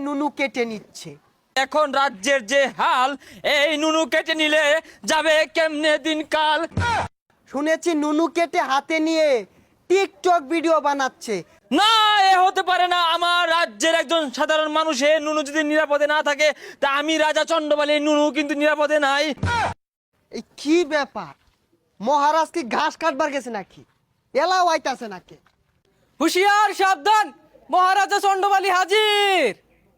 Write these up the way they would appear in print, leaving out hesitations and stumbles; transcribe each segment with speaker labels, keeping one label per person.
Speaker 1: নুনু কেটে নিচ্ছে।
Speaker 2: এখন রাজ্যের যে হাল, এই নুনু কেটে নিলে যাবে কেমনে দিনকাল।
Speaker 1: শুনেছি নুনু কেটে হাতে নিয়ে টিকটক ভিডিও বানাচ্ছে।
Speaker 2: না, এ হতে পারে না। আমার রাজ্যের একজন সাধারণ মানুষের নুনু যদি নিরাপদে না থাকে, তা আমি রাজা চন্ডবালির নুনু কিন্তু নিরাপদে নাই।
Speaker 1: এই কি ব্যাপার, মহারাজ কি ঘাস কাটবার গেছে নাকি, এলা আইতাছে নাকি?
Speaker 3: হুশিয়ার, সাবধান, মহারাজা চন্ডবালি হাজির।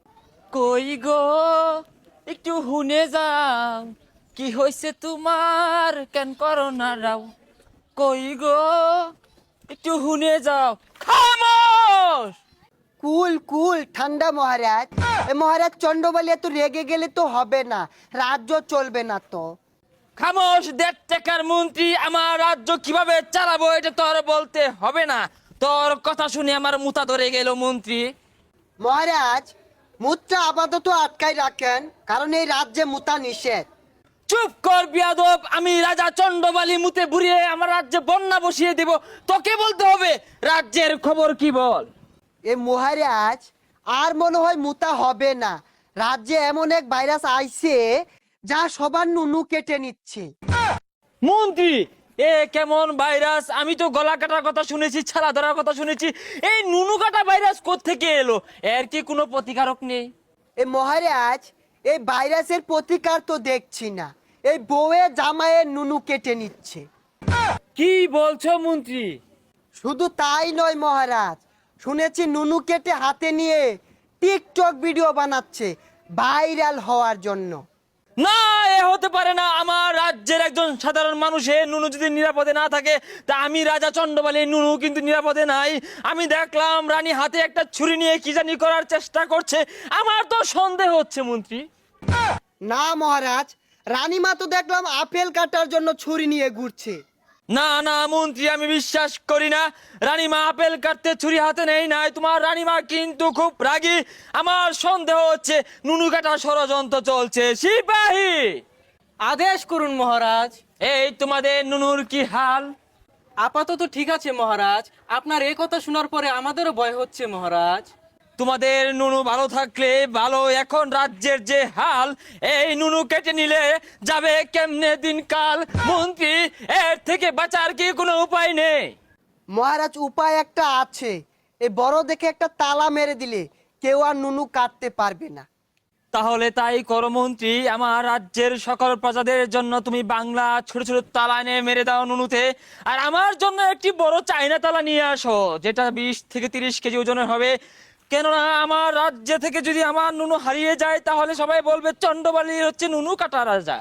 Speaker 2: কই গো, একটু হুনে যাও, কি হয়েছে তোমার, কেন করো না রাও। কই গো, একটু হুনে যাও। খামোশ!
Speaker 1: কুল কুল ঠান্ডা মহারাজ। এ মহারাজ চন্ডবালি এত রেগে গেলে তো হবে না, রাজ্য চলবে না তো।
Speaker 2: খামোশ! 1.5 টাকার মন্ত্রী, আমার রাজ্য কিভাবে চালাবো এটা তোর বলতে হবে না। তোর কথা শুনে আমার মুতা ধরে গেল মন্ত্রী।
Speaker 1: মহারাজ, মুদ্রা আপাতত আটকাই রাখেন, কারণ এই রাজ্যে মুতা নিষেধ।
Speaker 2: চুপ কর বিয়াদব! আমি রাজা চন্ডবালি মুতে বুড়িয়ে আমার রাজ্যে বন্যা বসিয়ে দেব। তোকে বলতে হবে রাজ্যের খবর কি বল।
Speaker 1: এ মহারাজ, আর মনে হয় মুতা হবে না। রাজ্যে এমন এক ভাইরাস আইছে যা সবার নুনু কেটে নিচ্ছে।
Speaker 2: মন্ত্রী, এ কেমন ভাইরাস? আমি তো গলা কাটার কথা শুনেছি, ছালা ধরার কথা শুনেছি। এই নুনু কাটা ভাইরাস কোত্থেকে এলো? এর কি কোনো প্রতিকারক নেই?
Speaker 1: এ মহারাজ, এই ভাইরাসের প্রতিকার তো দেখছি না, এই বউয়ে জামাইয়ের নুনু কেটে নিচ্ছে।
Speaker 2: কি বলছো মন্ত্রী?
Speaker 1: শুধু তাই নয় মহারাজ, শুনেছি নুনু কেটে হাতে নিয়ে টিকটক ভিডিও বানাচ্ছে ভাইরাল হওয়ার জন্য।
Speaker 2: না, এ হতে পারে না। আমার রাজ্যের একজন সাধারণ মানুষের নুনু যদি নিরাপদে না থাকে, তা আমি রাজা চন্ডবালির নুনু কিন্তু নিরাপদে নাই। আমি দেখলাম রানী হাতে একটা ছুরি নিয়ে কি জানি করার চেষ্টা করছে। আমার তো সন্দেহ হচ্ছে মন্ত্রী।
Speaker 1: না মহারাজ, রানীমা তো দেখলাম আপেল কাটার জন্য ছুরি নিয়ে ঘুরছে।
Speaker 2: না না মন্ত্রী, আমি বিশ্বাস করি না। রানীমা আপেল কাটতে ছুরি হাতে নেই নাই। তোমার রানীমা কিন্তু খুব রাগী। আমার সন্দেহ হচ্ছে নুনু কাটার ষড়যন্ত্র চলছে। সিপাহী,
Speaker 3: আদেশ করুন মহারাজ।
Speaker 2: এই তোমাদের নুনুর কি হাল?
Speaker 3: আপাতত ঠিক আছে মহারাজ, আপনার এই কথা শোনার পরে আমাদেরও ভয় হচ্ছে মহারাজ।
Speaker 2: তোমাদের নুনু ভালো থাকলে ভালো। এখন রাজ্যের যে হাল, এই নুনু কেটে নিলে যাবে কেমনে দিনকাল। মন্ত্রী, এর থেকে বাঁচার কি কোনো উপায় নেই?
Speaker 1: মহারাজ, উপায় একটা আছে। এই বড় দেখে একটা তালা মেরে দিলে কেউ আর নুনু কাটতে পারবে না।
Speaker 2: তাহলে তাই করো মন্ত্রী। আমার রাজ্যের সকল প্রজাদের জন্য তুমি বাংলা ছোট ছোট তালা এনে মেরে দাও নুনুতে। আর আমার জন্য একটি বড় চাইনা তালা নিয়ে আসো, যেটা 20 থেকে 30 কেজি ওজনের হবে। কেননা আমার রাজ্য থেকে যদি আমার নুনু হারিয়ে যায়, তাহলে সবাই বলবে চন্ডবালি হচ্ছে নুনু কাটা রাজা।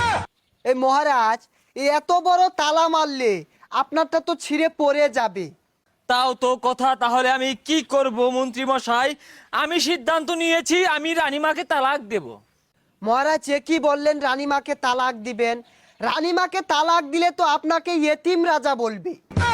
Speaker 1: এই মহারাজ, এই এত বড় তালা মারলে আপনারটা তো ছিঁড়ে পড়ে যাবে।
Speaker 2: তাও তো কথা। তাহলে আমি কি করব মন্ত্রী মশাই? আমি সিদ্ধান্ত নিয়েছি, আমি রানীমাকে তালাক দেব।
Speaker 1: মহারাজ, এ কি বললেন রানীমাকে তালাক দিবেন? রানীমাকে তালাক দিলে তো আপনাকে ইয়েতিম রাজা বলবে।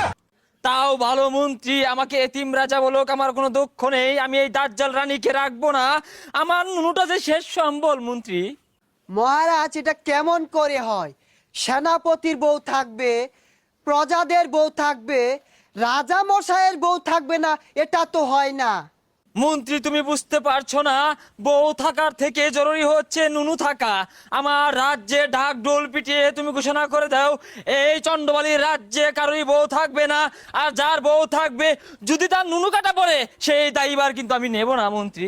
Speaker 2: তাও ভালো মন্ত্রী, আমাকে এতিম রাজা বলুক, আমার কোনো দুঃখ নেই। আমি এই দাজ্জাল রানীকে রাখবো না। আমার নুনুটা যে শেষ সম্বল মন্ত্রী।
Speaker 1: মহারাজ, এটা কেমন করে হয়? সেনাপতির বউ থাকবে, প্রজাদের বউ থাকবে, রাজা মশাইয়ের বউ থাকবে না, এটা তো হয় না।
Speaker 2: মন্ত্রী, তুমি বুঝতে পারছো না? বউ থাকার থেকে জরুরি হচ্ছে নুনু থাকা। আমার রাজ্যে ঢাক ঢোল পিটিয়ে তুমি ঘোষণা করে দাও, এই চন্ডবালির রাজ্যে কারোরই বউ থাকবে না। আর যার বউ থাকবে, যদি তার নুনু কাটা পড়ে, সেই দায়ীবার কিন্তু আমি নেব না মন্ত্রী।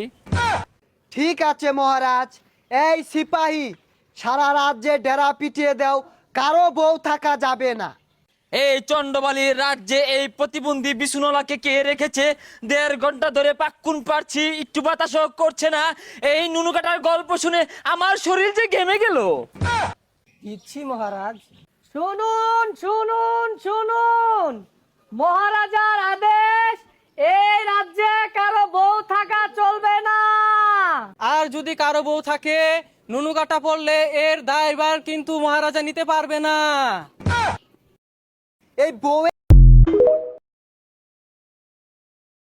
Speaker 1: ঠিক আছে মহারাজ। এই সিপাহী, সারা রাজ্যে ডেরা পিটিয়ে দাও, কারো বউ থাকা যাবে না।
Speaker 2: এই চন্ডবালির রাজ্যে এই প্রতিবন্ধী বিছুনলাকে কে রেখেছে? 1.5 ঘন্টা ধরে পাক্কুন পারছি, একটু বাতাসও করছে না। এই নুনু কাটার গল্প শুনে আমার শরীর যে ঘেমে গেল।
Speaker 1: দিচ্ছি মহারাজ।
Speaker 3: শুনুন শুনুন শুনুন, মহারাজার আদেশ, এই রাজ্যে কারো বউ থাকা চলবে না। আর যদি কারো বউ থাকে, নুনু কাটা পড়লে এর দায়ভার কিন্তু মহারাজা নিতে পারবে না।
Speaker 1: এই বউ